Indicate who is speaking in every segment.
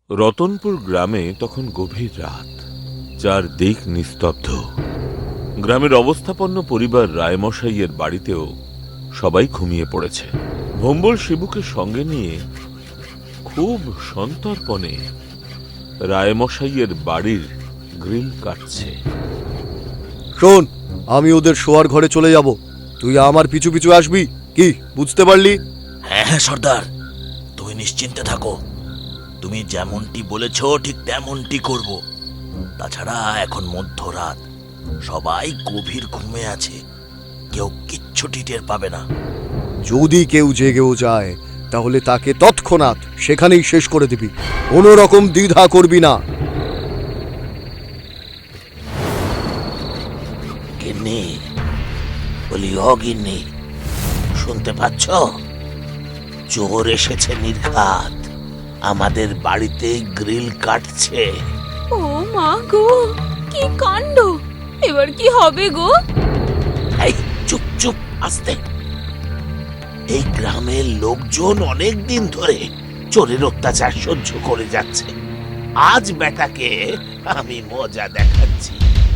Speaker 1: রতনপুর গ্রামে তখন গভীর রাত, চারদিক নিস্তব্ধ। গ্রামের অবস্থাপন্ন পরিবার রায়মশাইয়ের বাড়িতেও সবাই ঘুমিয়ে পড়েছে। ভম্বল শিবুকে সঙ্গে নিয়ে খুব সন্তর্পণে রায়মশাইয়ের বাড়ির গ্রিল কাটছে।
Speaker 2: শোন, আমি ওদের শোয়ার ঘরে চলে যাব, তুই আমার পিছু পিছু আসবি, কি বুঝতে পারলি?
Speaker 3: হ্যাঁ হ্যাঁ সর্দার, তুমি নিশ্চিন্তে থাকো। তুমি যেমনটি বলেছ ঠিক তেমনটি করব। তাছাড়া এখন মধ্যরাত, সবাই গভীর ঘুমে আছে, কেউ কিচ্ছুটি টের পাবে না।
Speaker 2: যদি কেউ জেগেও যায় তাহলে তাকে তৎক্ষণাৎ সেখানেই শেষ করে দিবি, কোনো রকম দ্বিধা করবি না।
Speaker 3: গিন্নি, বলি ও গিন্নি, শুনতে পাচ্ছ? চোর এসেছে নির্ঘাত, আমাদের বাড়িতে গ্রিল কাটছে।
Speaker 4: ও মা গো, কি কাণ্ড! এবার কি হবে গো?
Speaker 3: এই চুপ চুপ, আস্তে। এই গ্রামের লোকজন অনেক দিন ধরে চোরের অত্যাচার সহ্য করে যাচ্ছে। আজ বেটাকে আমি মজা দেখাচ্ছি।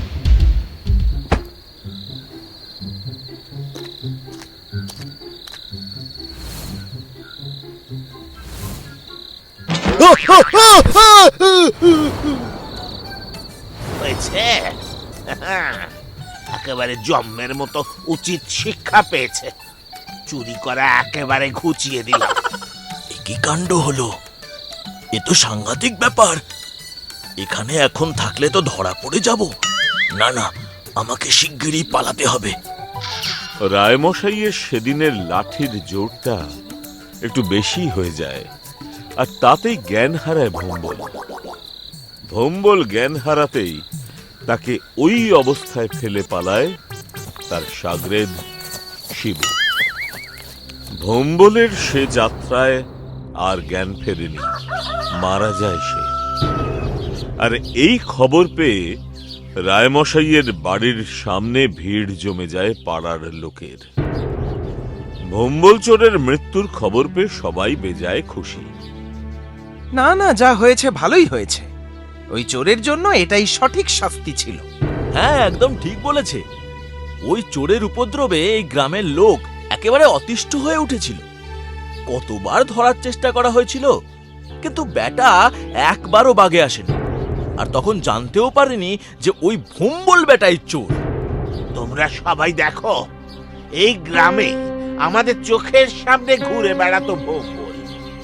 Speaker 3: হয়েছে, একেবারে জম্মের মতো উচিত শিক্ষা পেয়েছে। চুরি করা একেবারে ঘুচিয়ে দিলাম। কি কাণ্ড হলো! এ তো সাংঘাতিক ব্যাপার। এখানে এখন থাকলে তো ধরা পড়ে যাব। না না, আমাকে শিগগিরই পালাতে হবে।
Speaker 1: রায়মশাইয়ের সেদিনের লাঠির জোরটা একটু বেশি হয়ে যায়, আর তাতেই জ্ঞান হারায় ভম্বল। ভম্বল জ্ঞান হারাতেই তাকে ওই অবস্থায় ফেলে পালায় তার সাগরেদ শিবু। ভম্বলের সে যাত্রায় আর জ্ঞান ফেরেনি, মারা যায় সে। আর এই খবর পেয়ে রায়মশাইয়ের বাড়ির সামনে ভিড় জমে যায় পাড়ার লোকের। ভম্বল চোরের মৃত্যুর খবর পেয়ে সবাই বেজায় খুশি।
Speaker 5: না না, যা হয়েছে ভালোই হয়েছে। ওই চোরের জন্য এটাই সঠিক শাস্তি ছিল।
Speaker 3: হ্যাঁ, একদম ঠিক বলেছে। ওই চোরের উপদ্রবে এই গ্রামের লোক একেবারে অতিষ্ঠ হয়ে উঠেছিল। কতবার ধরার চেষ্টা করা হয়েছিল, কিন্তু বেটা একবারও বাগে আসেনি। আর তখন জানতেও পারেনি যে ওই ভম্বল বেটাই চোর। তোমরা সবাই দেখো, এই গ্রামে আমাদের চোখের সামনে ঘুরে বেড়াতো ভম্বল,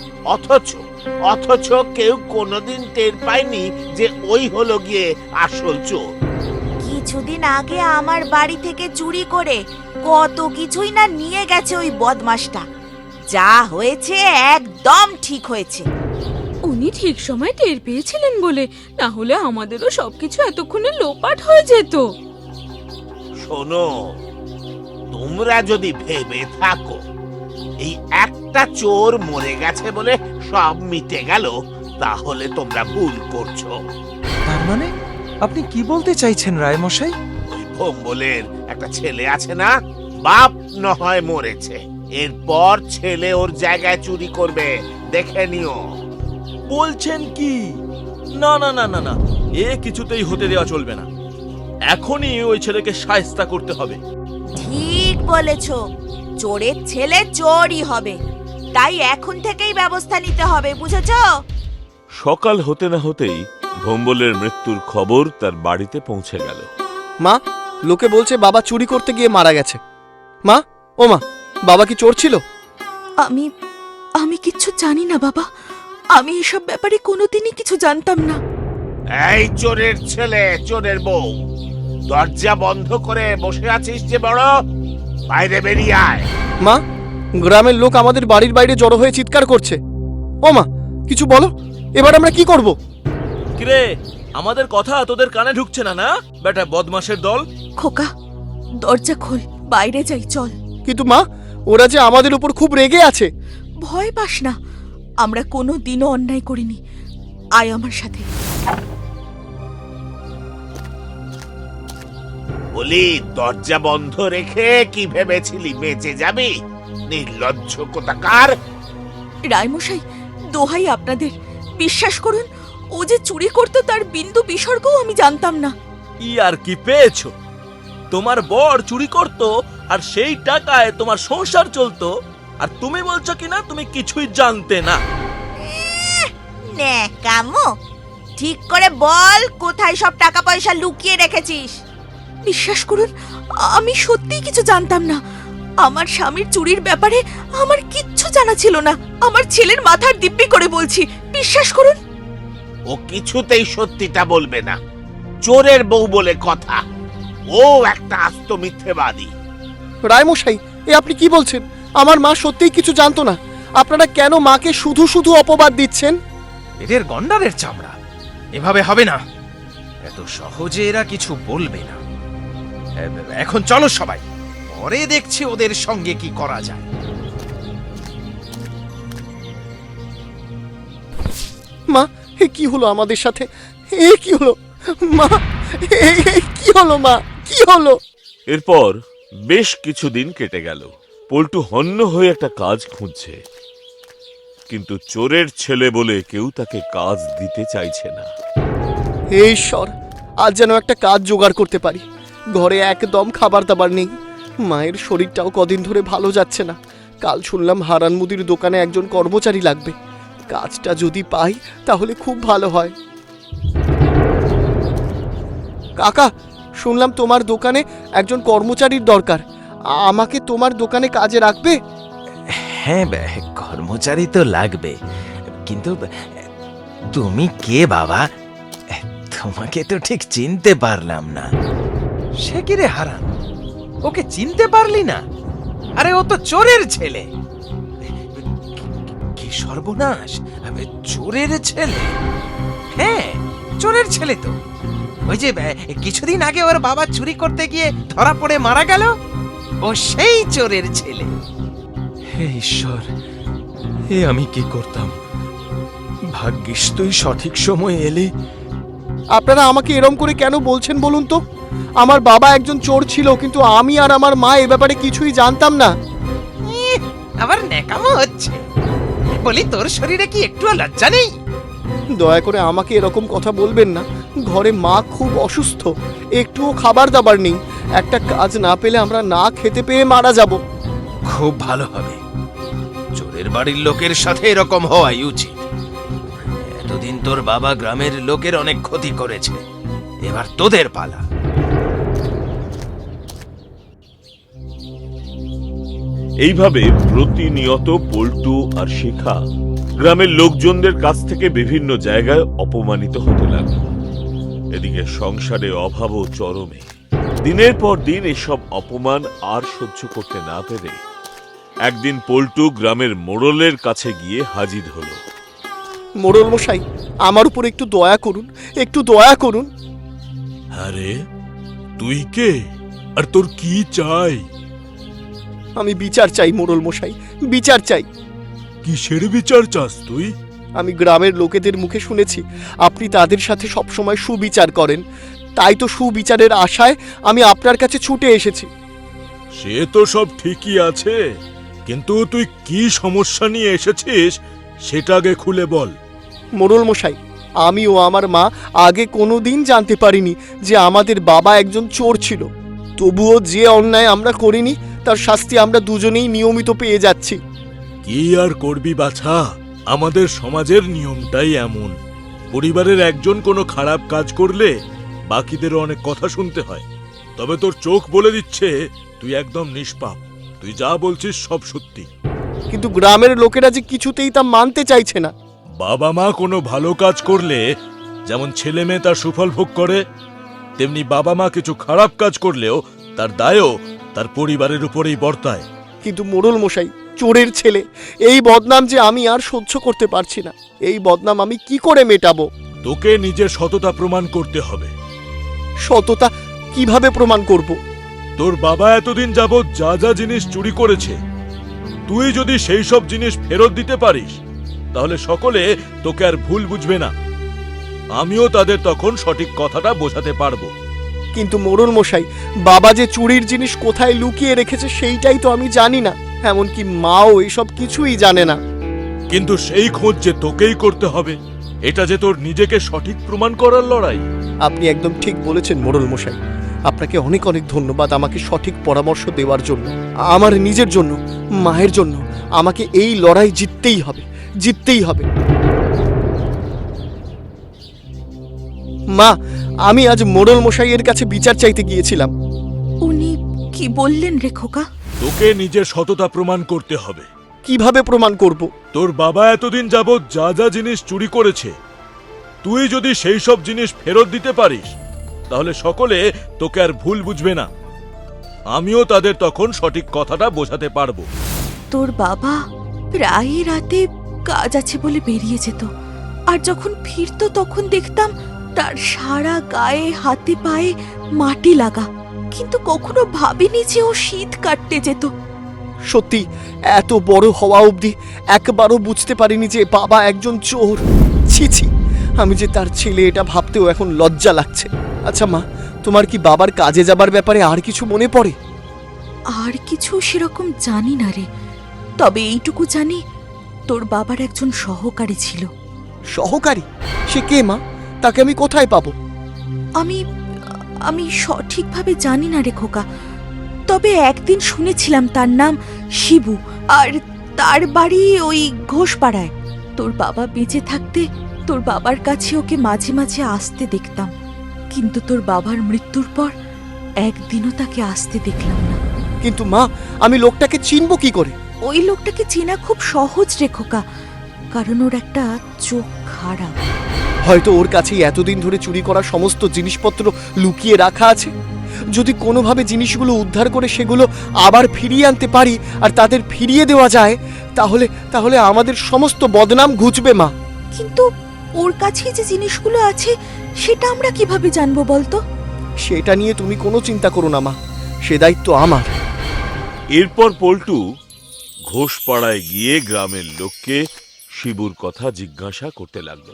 Speaker 3: অথচ কেউ কোনোদিন টের পায়নি যে ওই হলো গিয়ে আসল চোর।
Speaker 6: কিছুদিন আগে আমার বাড়ি থেকে চুরি করে কত কিছুই না নিয়ে গেছে ওই বদমাশটা। যা হয়েছে একদম ঠিক হয়েছে।
Speaker 4: উনি ঠিক সময় টের পেয়েছিলেন বলে, না হলে আমাদেরও সবকিছু এতক্ষণে লোপাট হয়ে যেত।
Speaker 3: শোনো, তোমরা যদি ভেবে থাকো এই একটা চোর মরে গেছে বলে সব মিটে গেল, তাহলে তোমরা ভুল করছো।
Speaker 5: তার মানে আপনি কি বলতে চাইছেন রায়মশাই?
Speaker 3: ওই ভম্বলের একটা ছেলে আছে না, বাপ নহয় মরেছে, এরপর ছেলে ওর জায়গায় চুরি করবে, দেখে নিও। বলছেন কি? না না না না না, এ কিছুতেই হতে দেওয়া চলবে না। এখনই ওই ছেলেকে শায়েস্তা করতে হবে।
Speaker 6: ঠিক বলেছো, চোরের ছেলে চোরই হবে, তাই এখন থেকেই ব্যবস্থা নিতে হবে, বুঝেছো?
Speaker 1: সকাল হতে না হতেই ভম্বলের মৃত্যুর খবর তার বাড়িতে পৌঁছে গেল।
Speaker 2: মা, লোকে বলছে বাবা চুরি করতে গিয়ে মারা গেছে। মা, ও মা, বাবা কি চোর ছিল?
Speaker 4: আমি আমি কিচ্ছু জানি না বাবা, আমি এসব ব্যাপারে কোনোদিনই কিছু জানতাম না।
Speaker 3: এই চোরের ছেলে, চোরের বউ, দরজা বন্ধ করে বসে আছিস যে বড়, বাইরে বেরিয়ে আয়।
Speaker 2: মা, গ্রামের লোক আমাদের বাড়ির বাইরে জড়ো হয়ে চিৎকার করছে। ও মা, কিছু বলো, এবার আমরা কি করব?
Speaker 3: কিরে, আমাদের কথা তোদের কানে ঢুকছে না? না বেটা বদমাশের দল।
Speaker 4: খোকা, দরজা খোল, বাইরে যাই, চল।
Speaker 2: কিন্তু মা, ওরা যে আমাদের উপর খুব রেগে আছে।
Speaker 4: ভয় পাস না, আমরা কোনো দিনও অন্যায় করিনি, আয় আমার সাথে।
Speaker 3: বলি, দরজা বন্ধ রেখে কি ভেবেছিলি বেঁচে যাবি? নির্লজ্জ কোথাকার!
Speaker 4: রায়মশাই, দোহাই আপনাদের, বিশ্বাস করুন, ও যে চুরি করতো তার বিন্দু বিসর্গও আমি জানতাম না।
Speaker 3: ই আর কি পেয়েছো? তোমার বর চুরি করত আর সেই টাকায় তোমার সংসার চলতো, আর তুমি বলছো কিনা তুমি কিছুই জানতে না।
Speaker 6: ন্যাকামো! ঠিক করে বল, কোথায় সব টাকা পয়সা লুকিয়ে রেখেছিস?
Speaker 4: বিশ্বাস করুন, আমি সত্যিই কিছু জানতাম না। আমার স্বামীর চুরির ব্যাপারে আমার কিচ্ছু জানা ছিল না। আমার ছেলের মাথার দিব্যি করে বলছি, বিশ্বাস করুন।
Speaker 7: ও কিছুতেই সত্যিটা বলবে না। চোরের বউ বলে কথা। ও একটা আস্ত মিথ্যেবাদী।
Speaker 2: রায়মশাই, এ আপনি কি বলছেন? আমার মা সত্যিই কিছু জানতো না। আপনারা কেন মাকে শুধু শুধু অপবাদ দিচ্ছেন?
Speaker 5: এদের গন্ডারের চামড়া, এভাবে হবে না। এত সহজে এরা কিছু বলবে না। এখন চলো সবাই, পরে দেখছি ওদের সঙ্গে কি করা যায়।
Speaker 2: মা, এ কি হলো আমাদের সাথে? এ কি হলো মা? এ কি হলো মা? কি হলো?
Speaker 1: এরপর বেশ কিছুদিন কেটে গেল। পল্টু হন্য হয়ে একটা কাজ খুঁজছে, কিন্তু চোরের ছেলে বলে কেউ তাকে কাজ দিতে চাইছে না।
Speaker 2: হে ঈশ্বর, আজ যেন একটা কাজ জোগাড় করতে পারি। ঘরে একদম খাবার দাবার নেই। মায়ের শরীরটাও কদিন ধরে ভালো যাচ্ছে না। কাল শুনলাম হারান মুদির দোকানে একজন কর্মচারী লাগবে। কাজটা যদি পাই তাহলে খুব ভালো হয়। কাকা, শুনলাম তোমার দোকানে একজন কর্মচারীর দরকার। আমাকে তোমার দোকানে কাজে রাখবে?
Speaker 5: হ্যাঁ, কর্মচারী তো লাগবে, কিন্তু তুমি কে বাবা? তোমাকে তো ঠিক চিনতে পারলাম না। সে কি রে হারান, ওকে চিনতে পারলি না? আরে ও তো চোরের ছেলে। কি সর্বনাশ! চোরের ছেলে? হ্যাঁ, চোরের ছেলে তো। ওই যে কিছুদিন আগে ওর বাবা চুরি করতে গিয়ে ধরা পড়ে মারা গেল, ও সেই চোরের ছেলে। হে ঈশ্বর, এ আমি কি করতাম! ভাগ্যিস তুই সঠিক সময় এলি।
Speaker 2: আপনারা আমাকে এরম করে কেন বলছেন বলুন তো? আমার বাবা একজন চোর ছিল, কিন্তু আমি আর আমার মা এ ব্যাপারে কিছুই জানতাম না।
Speaker 5: আবার ন্যাকামো হচ্ছে। বলি, তোর শরীরে কি একটুও লজ্জা নেই?
Speaker 2: দয়া করে আমাকে এরকম কথা বলবেন না। ঘরে মা খুব অসুস্থ, একটুও খাবার দাবার নেই। একটা কাজ না পেলে আমরা না খেতে পেয়ে মারা যাব।
Speaker 5: খুব ভালো হবে। চোরের বাড়ির লোকের সাথে এরকম হওয়াই উচিত। এতদিন তোর বাবা গ্রামের লোকের অনেক ক্ষতি করেছে, এবার তোদের পালা।
Speaker 1: এইভাবে প্রতিনিয়ত পল্টু আর শিখা গ্রামের লোকজনদের কাছ থেকে বিভিন্ন জায়গায় অপমানিত হতে লাগলো। এদিকে সংসারে অভাবও চরমে। দিনের পর দিন এসব অপমান আর সহ্য করতে না পেরে একদিন পল্টু গ্রামের মোড়লের কাছে গিয়ে হাজির হলো।
Speaker 2: মোড়ল মশাই, আমার উপর একটু দয়া করুন, একটু দয়া করুন।
Speaker 8: আরে তুই কে, আর তোর কি চাই?
Speaker 2: আমি বিচার চাই মোড়ল মশাই, বিচার চাই।
Speaker 8: কিসের বিচার চাস তুই?
Speaker 2: আমি গ্রামের লোকেদের মুখে শুনেছি আপনি তাদের সাথে সবসময় সুবিচার করেন। তাই তো সুবিচারের আশায় আমি আপনার কাছে ছুটে এসেছি।
Speaker 8: সে তো সব ঠিকই আছে, কিন্তু তুই কি সমস্যা নিয়ে এসেছিস সেটা আগে খুলে বল।
Speaker 2: মোড়ল মশাই, আমি ও আমার মা আগে কোনোদিন জানতে পারিনি যে আমাদের বাবা একজন চোর ছিল। তবুও যে অন্যায় আমরা করিনি তার শাস্তি আমরা দুজনেই নিয়মিত পেয়ে যাচ্ছি।
Speaker 8: কি আর করবি বাছা, আমাদের সমাজের নিয়মটাই এমন। পরিবারের একজন কোনো খারাপ কাজ করলে বাকিদেরও অনেক কথা শুনতে হয়। তবে তোর চোখ বলে দিচ্ছে তুই একদম নিষ্পাপ। তুই যা বলছিস সব সত্যি।
Speaker 2: কিন্তু গ্রামের লোকেরা যে কিছুতেই তা মানতে চাইছে না।
Speaker 8: বাবা মা কোনো ভালো কাজ করলে যেমন ছেলে মেয়ে তার সুফল ভোগ করে, তেমনি বাবা মা কিছু খারাপ কাজ করলেও তার দায়ও তার পরিবারের উপরেই বর্তায়।
Speaker 2: কিন্তু মোড়ল মশাই, চোরের ছেলে, এই বদনাম যে আমি আর সহ্য করতে পারছি না। এই বদনাম আমি কি করে মেটাবো?
Speaker 8: তোকে নিজের সততা প্রমাণ করতে হবে।
Speaker 2: সততা কিভাবে প্রমাণ করব?
Speaker 8: তোর বাবা এতদিন যাবৎ যা যা জিনিস চুরি করেছে, তুই যদি সেই সব জিনিস ফেরত দিতে পারিস তাহলে সকলে তোকে আর ভুল বুঝবে না। আমিও তাদের তখন সঠিক কথাটা বোঝাতে পারবো।
Speaker 2: কিন্তু মোড়ল মশাই, বাবা যে চুরির জিনিস কোথায় লুকিয়ে রেখেছে সেইটাই তো আমি জানি না। এমনকি মাও এসব কিছুই জানে না।
Speaker 8: কিন্তু সেই খোঁজ যে তোকেই করতে হবে। এটা যে তোর নিজেকে সঠিক প্রমাণ করার লড়াই।
Speaker 2: আপনি একদম ঠিক বলেছেন মোড়ল মশাই। আপনাকে অনেক অনেক ধন্যবাদ আমাকে সঠিক পরামর্শ দেওয়ার জন্য। আমার নিজের জন্য, মায়ের জন্য আমাকে এই লড়াই জিততেই হবে, জিততেই হবে। মা, আমি আজ মোড়ল মশাইয়ের কাছে বিচার চাইতে গিয়েছিলাম।
Speaker 4: উনি কি বললেন রে খোকা?
Speaker 8: তোকে নিজের সততা প্রমাণ করতে হবে।
Speaker 2: কিভাবে প্রমাণ করব?
Speaker 8: তোর বাবা এতদিন যাবৎ যা যা জিনিস চুরি করেছে, তুই যদি সেই সব জিনিস ফেরত দিতে পারিস, তাহলে সকলে তোকে আর ভুল বুঝবে না। আমিও তাদের তখন সঠিক কথাটা বোঝাতে পারবো।
Speaker 4: তোর বাবা প্রায় রাতে কাজ আছে বলে বেরিয়ে যেত, আর যখন ফিরতো তখন দেখতাম তার সারা গায়ে হাতে পায়ে মাটি লাগা, কিন্তু কখনো ভাবিনি যে ও শীত কাটতে যেত।
Speaker 2: সত্যি এত বড় হওয়া অবধি একবারও বুঝতে পারিনি যে বাবা একজন চোর। ছি ছি, আমি যে তার ছেলে এটা ভাবতেও এখন লজ্জা লাগছে। আচ্ছা মা, তোমার কি বাবার কাজে যাবার ব্যাপারে আর কিছু মনে পড়ে?
Speaker 4: আর কিছু সেরকম জানি না রে, তবে এইটুকু জানি তোর বাবার একজন সহকারী ছিল।
Speaker 2: সহকারী? সে কে মা? তাকে আমি কোথায় পাবো?
Speaker 4: আমি আমি সঠিকভাবে জানি না রে খোকা, তবে একদিন শুনেছিলাম তার নাম শিবু, আর তার বাড়ি ওই ঘোষপাড়ায়। তোর বাবা বেঁচে থাকতে তোর বাবার কাছে ওকে মাঝে মাঝে আসতে দেখতাম, কিন্তু তোর বাবার মৃত্যুর পর একদিনও তাকে আসতে দেখলাম না।
Speaker 2: কিন্তু মা, আমি লোকটাকে চিনব কি করে?
Speaker 4: ওই লোকটাকে চেনা খুব সহজ রে খোকা, কারণ ওর একটা চোখ খারাপ।
Speaker 2: হয়তো ওর কাছেই এতদিন ধরে চুরি করা সমস্ত জিনিসপত্র লুকিয়ে রাখা আছে। যদি কোনোভাবে জিনিসগুলো উদ্ধার করে সেগুলো আবার ফিরিয়ে আনতে পারি আর তাদের ফিরিয়ে দেওয়া যায়, তাহলে তাহলে আমাদের সমস্ত বদনাম ঘুচবে মা।
Speaker 4: কিন্তু ওর কাছে যে জিনিসগুলো আছে সেটা আমরা কিভাবে জানবো বলতো?
Speaker 2: সেটা নিয়ে তুমি কোনো চিন্তা করো না মা, সে দায়িত্ব আমার।
Speaker 1: এরপর পল্টু ঘোষপাড়ায় গিয়ে গ্রামের লোককে শিবুর কথা জিজ্ঞাসা করতে লাগলো।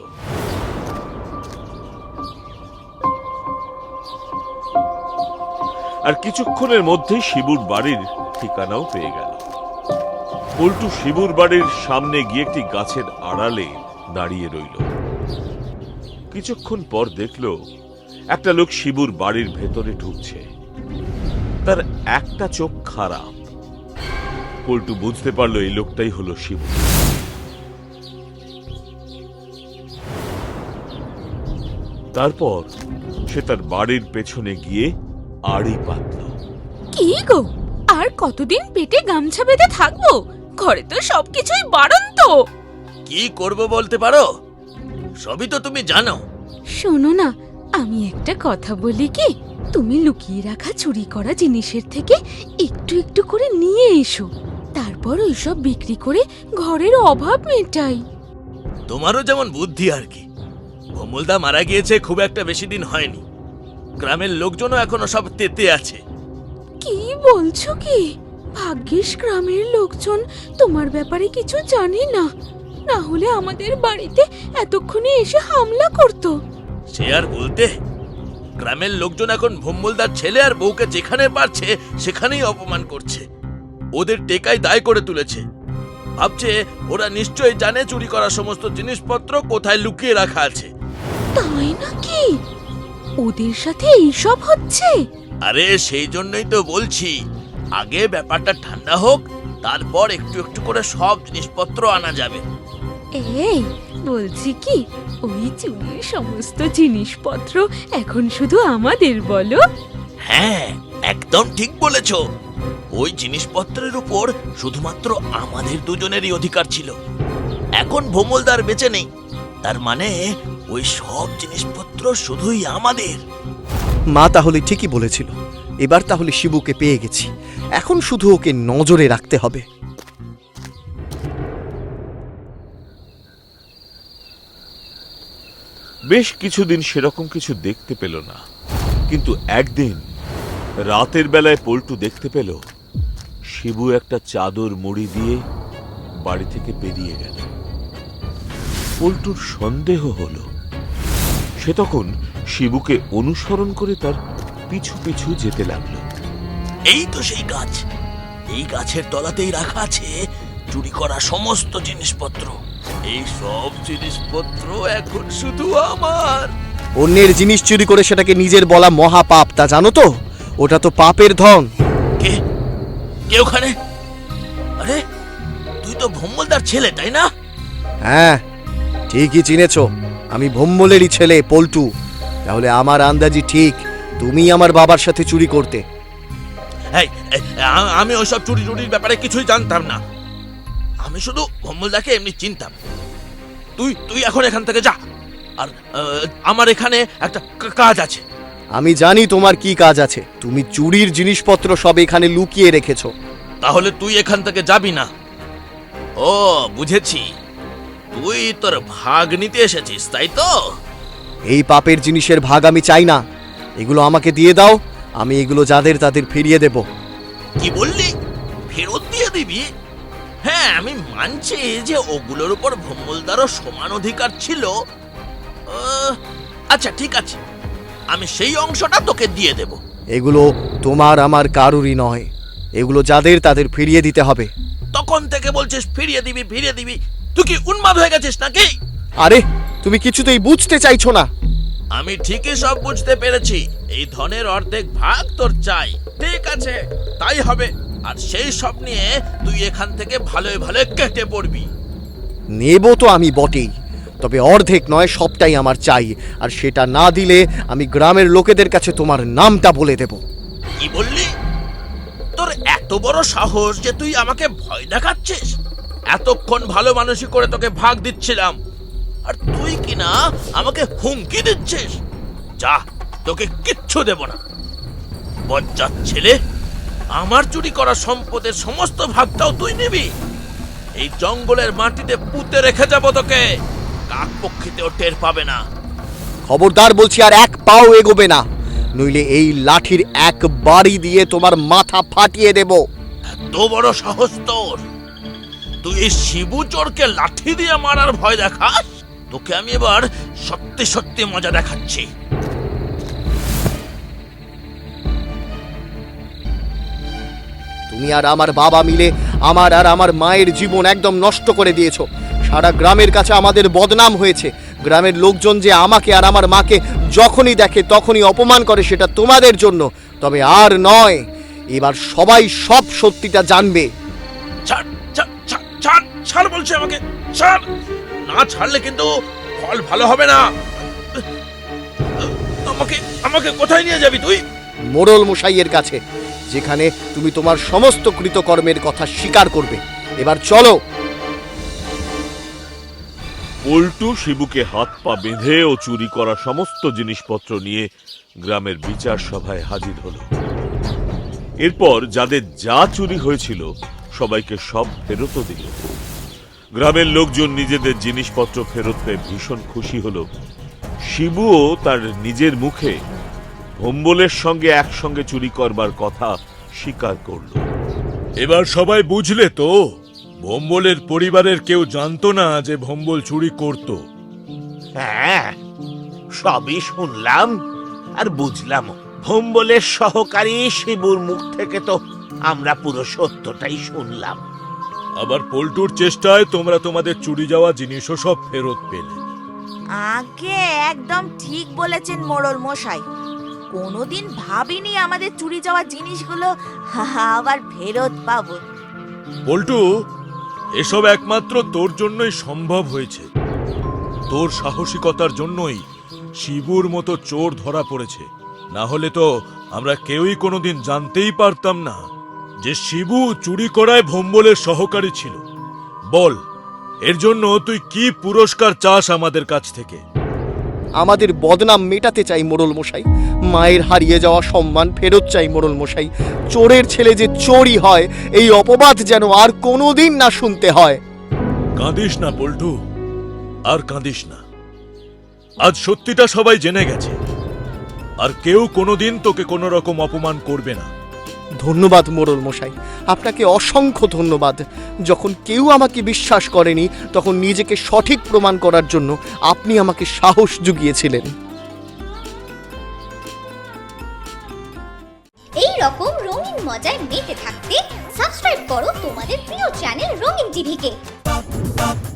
Speaker 1: আর কিছুক্ষণের মধ্যে শিবুর বাড়ির ঠিকানাও পেয়ে গেল। পল্টু শিবুর বাড়ির সামনে গিয়ে একটি গাছের আড়ালে দাঁড়িয়ে রইল। কিছুক্ষণ পর দেখল একটা লোক শিবুর বাড়ির ভেতরে ঢুকছে। তার একটা চোখ খারাপ। পল্টু বুঝতে পারলো এই লোকটাই হলো শিবু। তারপর সে তার বাড়ির পেছনে গিয়ে আড়ি পাতল।
Speaker 9: কি গো, আর কতদিন পেটে গামছা বেঁধে থাকবো? ঘরে তো সবকিছুই বাড়ন্ত।
Speaker 3: কি করব বলতে পারো? সবই তো তুমি জানো।
Speaker 9: শোনো না, আমি একটা কথা বলি কি, তুমি লুকিয়ে রাখা চুরি করা জিনিসের থেকে একটু একটু করে নিয়ে এসো, তারপর ওইসব বিক্রি করে ঘরের অভাব মেটাই।
Speaker 3: তোমারও যেমন বুদ্ধি আর কি। ভমলদা মারা গিয়েছে খুব একটা বেশি দিন হয়নি। গ্রামের লোকজনও এখনো সব তেতে আছে।
Speaker 9: কি বলছো কি? ভাগ্যিস গ্রামের লোকজন তোমার ব্যাপারে কিছু জানে না, না হলে আমাদের বাড়িতে এতক্ষণে এসে হামলা করতো।
Speaker 3: সে আর বলতে, গ্রামের লোকজন এখন ভম্বলদার ছেলে আর বউকে যেখানে পারছে সেখানেই অপমান করছে। ওদের টেকাই দায় করে তুলেছে। ভাবছে ওরা নিশ্চয়ই জানে চুরি করা সমস্ত জিনিসপত্র কোথায় লুকিয়ে রাখা আছে।
Speaker 9: তাই নাকি? ওদের সাথে এইসব হচ্ছে?
Speaker 3: আরে সেই জন্যই তো বলছি, আগে ব্যাপারটা ঠান্ডা হোক, তারপর একটু একটু করে সব জিনিসপত্র আনা যাবে।
Speaker 9: এই বলছি কি, ওই চুরির সমস্ত জিনিসপত্র এখন শুধু আমাদের বলো?
Speaker 3: হ্যাঁ, একদম ঠিক বলেছ। ওই জিনিসপত্রের উপর শুধুমাত্র আমাদের দুজনেরই অধিকার ছিল। এখন ভোমলদার বেঁচে নেই, তার মানে ওই সব জিনিসপত্র শুধুই আমাদের।
Speaker 2: মা তাহলে ঠিকই বলেছিল। এবার তাহলে শিবুকে পেয়ে গেছি, এখন শুধু ওকে নজরে রাখতে হবে।
Speaker 1: বেশ কিছুদিন সেরকম কিছু দেখতে পেল না, কিন্তু একদিন রাতের বেলায় পল্টু দেখতে পেল শিবু একটা চাদর মুড়ি দিয়ে বাড়ি থেকে বেরিয়ে গেল। পল্টুর সন্দেহ হলো। সে তখন শিবুকে অনুসরণ করে তার পিছু পিছু যেতে লাগলো।
Speaker 3: এই তো সেই গাছ, এই গাছের তলাতেই রাখা আছে চুরি করা সমস্ত জিনিসপত্র। এই সব জিনিসপত্র এখন শুধু আমার।
Speaker 2: অন্যের জিনিস চুরি করে সেটাকে নিজের বলা মহাপাপ, তা জানো তো? ওটা তো পাপের ধন।
Speaker 3: কে কে ওখানে? আরে তুই তো ভম্বলদার ছেলে, তাই না?
Speaker 2: হ্যাঁ, ঠিকই চিনেছ, আমি ভম্বলেরই ছেলে পল্টু। তাহলে আমার আন্দাজি ঠিক, তুমি আমার বাবার সাথে চুরি করতে।
Speaker 3: এই, আমি ওইসব চুরি চুরির ব্যাপারে কিছুই জানতাম না। আমি শুধু ভম্বলদাকে এমনি চিনতাম। তুই এখন এখান থেকে যা। আর আমার এখানে একটা কাজ আছে।
Speaker 2: আমি জানি তোমার কি কাজ আছে। তুমি চুরির জিনিসপত্র সব এখানে লুকিয়ে রেখেছো।
Speaker 3: তাহলে তুই এখান থেকে যাবি না? ও, বুঝেছি, তুই তোর ভাগ নিতে এসেছিস, তাই তো?
Speaker 2: এই পাপের জিনিসের ভাগ আমি চাই না, এগুলো আমাকে দিয়ে দাও, আমি এগুলো যাদের তাদের ফিরিয়ে দেব।
Speaker 3: কি বললি? ফেরত দিয়ে দিবি? হ্যাঁ, আমি মানছি যে ওগুলোর উপর ভম্বলদারও সমান অধিকার ছিল। আচ্ছা ঠিক আছে, আমি সেই অংশটা তোকে দিয়ে দেব।
Speaker 2: এগুলো তোমার আমার কারুরই নয়, এগুলো যাদের তাদের ফিরিয়ে দিতে হবে।
Speaker 3: তখন থেকে বলছিস ফিরিয়ে দিবি ফিরিয়ে দিবি, তুই কি উন্মাদ হয়ে গেছিস নাকি?
Speaker 2: আরে তুমি কিছুতেই বুঝতে চাইছো না।
Speaker 3: আমি ঠিকই সব বুঝতে পেরেছি। এই ধনের অর্ধেক ভাগ তোর চাই, ঠিক আছে, তাই হবে। আর সেই সব নিয়ে তুই এখান থেকে ভালোই ভালো কেটে পড়বি।
Speaker 2: নেব তো আমি বটেই, তবে অর্ধেক নয়, সবটাই আমার চাই। আর সেটা না দিলে আমি গ্রামের লোকেদের কাছে তোমার নামটা বলে দেব।
Speaker 3: কি বললি? তোর এত বড় সাহস যে তুই আমাকে ভয় দেখাচ্ছিস? এতক্ষণ ভালো মানুষই করে তোকে ভাগ দিচ্ছিলাম, আর তুই কিনা আমাকে হুমকি দিচ্ছিস? যা, তোকে কিচ্ছু দেব না। বজ্জাত ছেলে, আমার চুরি করা সম্পদের সমস্ত ভাগটাও তুই নিবি? এই জঙ্গলের মাটিতে পুঁতে রেখে যাব তোকে, কাক পক্ষীতেও টের পাবে না।
Speaker 2: খবরদার বলছি, আর এক পাও এগোবে না, নইলে এই লাঠির এক বাড়ি দিয়ে তোমার মাথা ফাটিয়ে দেব।
Speaker 3: এত বড় সাহস তোর? তুই এই শিবু চোরকে লাঠি দিয়ে মারার ভয় দেখাস? তোকে আমি এবার সত্যি সত্যি মজা দেখাচ্ছি।
Speaker 2: তুমি আর আমার বাবা মিলে আমার আর আমার মায়ের জীবন একদম নষ্ট করে দিয়েছো। সারা গ্রামের কাছে আমাদের বদনাম হয়েছে। গ্রামের লোকজন যে আমাকে আর আমার মাকে যখনই দেখে তখনই অপমান করে, সেটা তোমাদের জন্য। তবে আর নয়, এবার সবাই সব সত্যিটা জানবে।
Speaker 3: ছাড় ছাড় ছাড় ছাড় ছাড় বলছে আমাকে, ছাড়। না ছাড়লে কিন্তু ফল ভালো হবে না। আমাকে আমাকে কোথায় নিয়ে যাবি তুই?
Speaker 2: মোড়ল মশাইয়ের কাছে, যেখানে তুমি তোমার সমস্ত কৃতকর্মের কথা স্বীকার করবে। এবার চলো।
Speaker 1: পল্টু শিবুকে হাত পা বেঁধে ও চুরি করা সমস্ত জিনিসপত্র নিয়ে গ্রামের বিচার সভায় হাজির হলো। এরপর যাদের যা চুরি হয়েছিল সবাইকে সব ফেরতও দিল। গ্রামের লোকজন নিজেদের জিনিসপত্র ফেরত পেয়ে ভীষণ খুশি হলো। শিবুও তার নিজের মুখে ভম্বলের সঙ্গে একসঙ্গে চুরি করবার কথা স্বীকার করল।
Speaker 8: এবার সবাই বুঝলে তো, ভম্বলের পরিবারের কেউ জানতো না যে ভম্বল চুরি করত।
Speaker 7: হ্যাঁ, সবই শুনলাম আর বুঝলাম। ভম্বলের সহকারী শিবুর মুখ থেকে তো আমরা পুরো সত্যটাই শুনলাম।
Speaker 8: আবার পল্টুর চেষ্টায় তোমরা তোমাদের চুরি যাওয়া জিনিসও সব ফেরত পেলে।
Speaker 6: আগে একদম ঠিক বলেছেন মোড়ল মশাই। কোনোদিন ভাবিনি আমাদের চুরি যাওয়া জিনিসগুলো আবার ফেরত পাবো।
Speaker 8: পল্টু, এসব একমাত্র তোর জন্যই সম্ভব হয়েছে। তোর সাহসিকতার জন্যই শিবুর মতো চোর ধরা পড়েছে। না হলে তো আমরা কেউই কোনোদিন জানতেই পারতাম না যে শিবু চুরি করায় ভম্বলের সহকারী ছিল। বল, এর জন্য তুই কি পুরস্কার চাস আমাদের কাছ থেকে?
Speaker 2: আমাদের বদনাম মেটাতে চাই মোড়ল মশাই। মায়ের হারিয়ে যাওয়া সম্মান ফেরত চাই মোড়ল মশাই। চোরের ছেলে যে চোরই হয়, এই অপবাদ যেন আর কোনোদিন না শুনতে হয়।
Speaker 8: কাঁদিস না পল্টু, আর কাঁদিস না। আজ সত্যিটা সবাই জেনে গেছে, আর কেউ কোনোদিন তোকে কোনো রকম অপমান করবে না।
Speaker 2: ধন্যবাদ মোড়ল মশাই, আপনাকে অসংখ্য ধন্যবাদ। যখন কেউ আমাকে বিশ্বাস করেনি, তখন নিজেকে সঠিক প্রমাণ করার জন্য আপনি আমাকে সাহস জুগিয়েছিলেন।
Speaker 10: এই রকম রঙিন মজায় মেতে থাকতে সাবস্ক্রাইব করো তোমাদের প্রিয় চ্যানেল রঙিন টিভিকে।